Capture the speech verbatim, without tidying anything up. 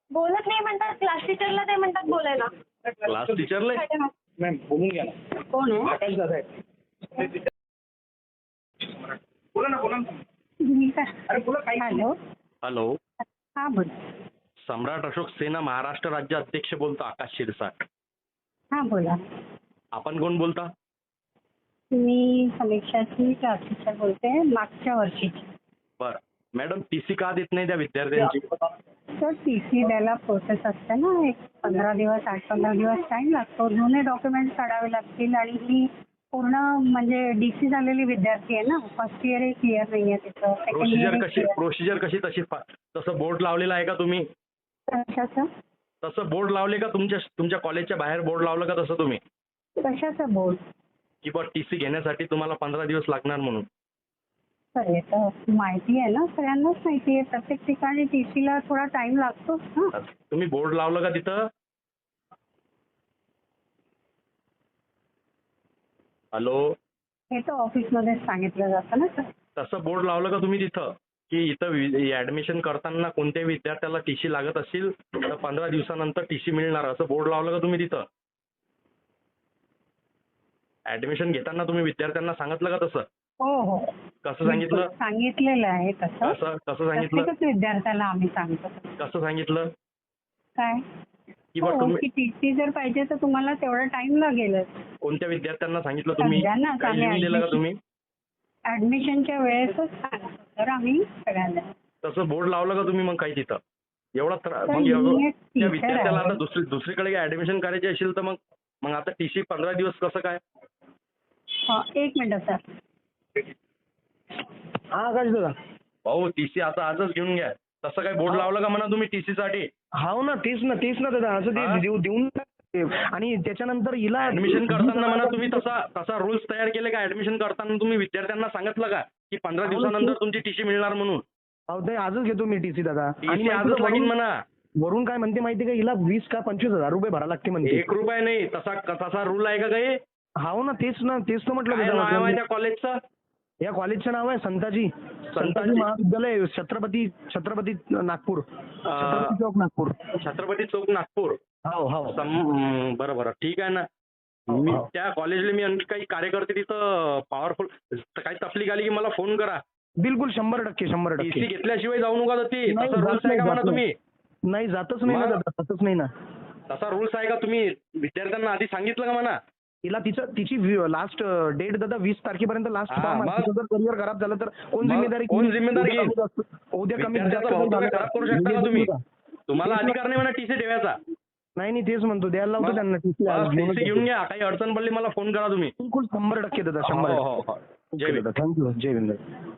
बोलत नाही म्हणतात, क्लास टीचरला ते म्हणतात बोलायला. क्लास टीचरला मॅम बोलून घ्या ना. कोण आहे? आकाश दादा आहेत. बोला ना बोला ना. अरे बोला काही. हॅलो. हॅलो, हा बोल. सम्राट अशोक सेना महाराष्ट्र राज्य अध्यक्ष बोलतो आकाश शिरसाट. हा बोला. आपण कोण बोलता? मी समीक्षाची क्लास टीचर बोलते, मागच्या वर्षीची. बर मॅडम, टी सी का देत नाही त्या विद्यार्थ्यांची? सर टी सी द्यायला प्रोसेस असते ना, एक पंधरा दिवस आठ पंधरा दिवस टाइम लागतो. जुने डॉक्युमेंट्स काढावे लागतील आणि ही पूर्ण म्हणजे डी सी झालेली विद्यार्थी आहे ना. फर्स्ट इयर एक क्लिअर नाही आहे तिचं. सेकंड प्रोसिजर इयर कशी प्रोसिजर कशी तशी फा- तसं बोर्ड लावलेला आहे का तुम्ही? कशाचं तसं बोर्ड लावले का तुमच्या तुमच्या कॉलेजच्या बाहेर बोर्ड लावलं का तसं तुम्ही? कशाचं बोर्ड? की बा टी सी घेण्यासाठी तुम्हाला पंधरा दिवस लागणार म्हणून. सर हे तर माहिती आहे ना, सगळ्यांनाच माहिती आहे. प्रत्येक ठिकाणी टी सीला थोडा टाइम लागतोच ना. तुम्ही बोर्ड लावलं का तिथं? हॅलो, हे तर ऑफिसमध्येच सांगितलं जातं ना सर. तसं बोर्ड लावलं का तुम्ही तिथं की इथं ऍडमिशन करताना कोणत्याही विद्यार्थ्याला टी सी लागत असेल तर पंधरा दिवसानंतर टी सी मिळणार, असं बोर्ड लावलं का तुम्ही तिथं? ऍडमिशन घेताना तुम्ही विद्यार्थ्यांना सांगितलं का तसं? हो हो कसं सांगितलं? सांगितलेलं आहे तसं. कसं कसं सांगितलं? प्रत्येकच विद्यार्थ्याला आम्ही सांगतो. कसं सांगितलं? काय की बा हो, तुम्ही की टी सी जर पाहिजे तर तुम्हाला तेवढा टाइम लागेलच. कोणत्या विद्यार्थ्यांना सांगितलं तुम्ही? सगळ्यांना काही आम्ही लिहून दिलं का admission- तुम्ही? ऍडमिशनच्या वेळेसच सांगतो तर आम्ही सगळ्यांना. तसं बोर्ड लावलं का तुम्ही मग काही तिथं? एवढा त्रा- सर, मग मी एवढं- एक त्या teacher विद्यार्थ्याला आहे. आता दुसरी दुसरीकडे ऍडमिशन करायची असेल तर मग मग आता टी सी पंधरा दिवस कसं काय? हा, एक मिनिट सर. हा आकाश दादा. भाऊ टी सी आता आजच घेऊन घ्या. तसं काय बोर्ड लावलं का म्हणा तुम्ही टी सी साठी? हाव ना तेच ना तेच ना दादा. असं हा? ते देऊ देऊन टाक. आणि त्याच्यानंतर हिला ऍडमिशन करताना म्हणा तुम्ही तसा तसा रुल्स तयार केले का? ऍडमिशन करताना तुम्ही विद्यार्थ्यांना सांगितलं का की पंधरा दिवसानंतर तुमची टी सी मिळणार म्हणून? अहो ते आजच घेतो मी टीसी दादा. टी सी आजच लागेल म्हणा. वरून काय म्हणते माहिती का, हिला वीस का पंचवीस हजार रुपये भरा लागते म्हणते. एक रुपया नाही. तसा तसा रूल आहे का काही? हाव ना तेच ना तेच तर म्हटलं काय नाव आहे दादा. त्या कॉलेजचं? या कॉलेजचं नाव आहे संताजी संताजी महाविद्यालय, छत्रपती छत्रपती नागपूर, छत्रपती चौक नागपूर. छत्रपती चौक नागपूर. हो हो सम- बरं बरं ठीक आहे ना. मी हो. त्या कॉलेजला मी आणखी काही कार्यकर्ते तिथं पॉवरफुल काही तकलीफ आली की मला फोन करा. बिलकुल शंभर टक्के शंभर टी सी टक्के. घेतल्याशिवाय जाऊ नका ती. नाही, तसा जात रूल्स आहे का नाही, म्हणा जात तुम्ही? नाही जातच नाही ना मग? दादा, जातच नाही ना. तसा रूल्स आहे का? तुम्ही विद्यार्थ्यांना आधी सांगितलं का म्हणा? तिला तिचं तिची लास्ट डेट दादा वीस तारखेपर्यंत लास्ट हा, फॉर्म आहे. मग? तिचं जर करिअर खराब झालं तर कोण मग जिम्मेदारी कोण घेईल? जिम्मेदारी उद्या घेईल? कमी जास्त- उद्या कमी विद्यार्थ्याचं जास्त भवितव्य झालं खराब करू शकता का तुम्ही? तुम्हाला तेच ना. अधिकार नाही म्हणा टी सी ठेवायचा. नाही नाही तेच म्हणतो, द्यायला लावतो त्यांना टीसी. टी सी घेऊन घ्या. काही अडचण पडली मला फोन करा तुम्ही. बिलकुल शंभर टक्के दादा हो शंभर हो हो. जय टक्के. भीम. थँक्यू. जय हिंद.